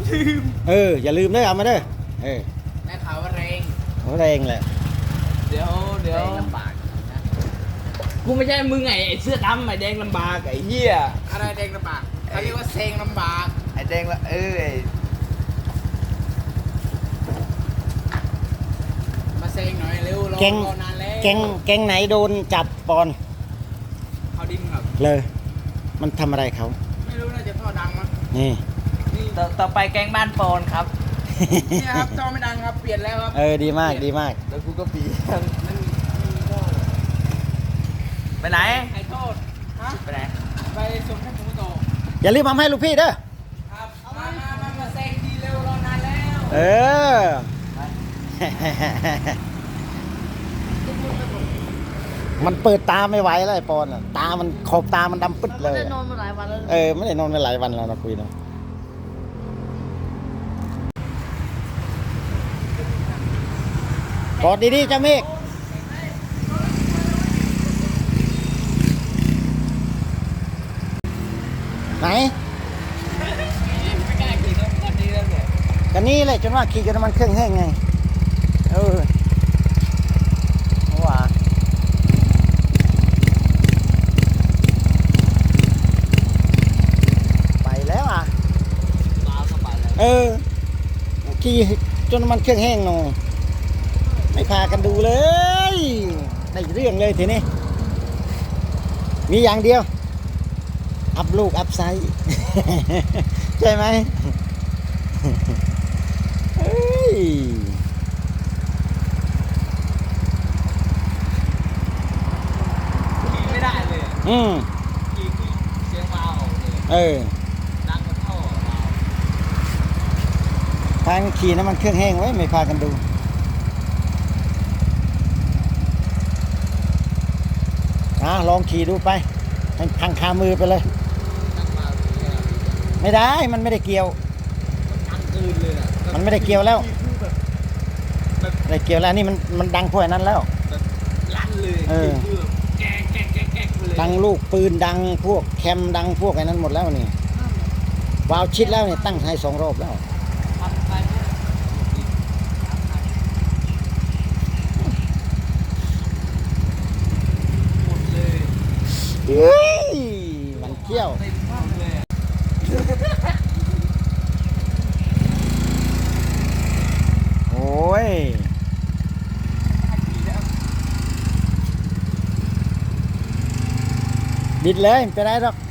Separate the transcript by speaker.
Speaker 1: ลืม
Speaker 2: อย่าลืมด้วยเอามาเด้อ
Speaker 1: ได้ข่าวว่าแรง
Speaker 2: แรงแหละ
Speaker 1: เดี๋ยวลำบากนะกูไม่ใช่มึงไงไอ้เสื้อดำไอ้แดงลำบากไอ้เหี้ยอะไรแดงลำบากเขาเรียกว่าเซงลำบาก
Speaker 3: ไอ้แดงละ
Speaker 1: มาเซงหน่อยเร็วรอนานแล้ว
Speaker 2: แกงไหนโดนจับปอน
Speaker 1: เขาดินครับ
Speaker 2: เลยมันทำอะไรเขา
Speaker 1: ไม่รู้น่าจะท่อดังมั้ง
Speaker 2: นี่
Speaker 1: ต่อไปแกงบ้านปอนครับนี่ครับท่อไม่ดังครับเปลี่ยนแล้วครับ
Speaker 2: ดีมาก
Speaker 3: แล้วกูก็ปี
Speaker 1: มันมีท่อ
Speaker 3: ไปไหน
Speaker 1: ไอ้โทษฮะ
Speaker 3: ไปไหน
Speaker 1: ไปส่งให้ผมโต
Speaker 2: อย่าลืมทำให้ลูกพี่เด้อ
Speaker 1: ครับมาแซงดีเร็วรอนานแล้ว
Speaker 2: มันเปิดตาไม่ไหวแล้วไอ้ปอนตามันขอบตามันดำปึ๊ดเลย
Speaker 4: ไม่ได้นอนมาหลายวันแล้ว
Speaker 2: ไม่ได้นอนมาหลายวันแล้วนะคุยเนาะกอดดีๆเจ้าเมฆไหน
Speaker 1: ไม่กล้าขี่รถคันนี้แล้วเนี่ย
Speaker 2: กันนี้เลยจนว่าขี่จนมันเครื่องแห้งไงว่าไปแล้ว
Speaker 1: มาก็ไปแล้ว
Speaker 2: ขี่จนมันเครื่องแห้งหน่อยไม่พากันดูเลยได้เรื่องเลยทีนี้มีอย่างเดียวอัพลูกอัพไซส์ใช่ไหม
Speaker 1: ขี่ไม่ได้เลยขี่เสียงเบาดังกว่าท่อเบา
Speaker 2: ทางขี่น้ำมันเครื่องแห้งไว้ไม่พากันดูลองขี่ดูไปพังคามือไปเลยไม่ได้มันไม่ได้เกี่ยวมันไม่ได้เกี่ยวแล้วไม่ได้เกี่ยวแล้วนี่มันดังพวกนั้นแล้ว
Speaker 1: ลั่นเลยแกเลย
Speaker 2: ดังลูกปืนดังพวกแคมดังพวกไอ้นั้นหมดแล้วนี่วาวชิดแล้วเนี่ยตั้งให้2 รอบแล้วมันเที่ยวโอ้ยบิดเลยไม่เป็นไรหรอก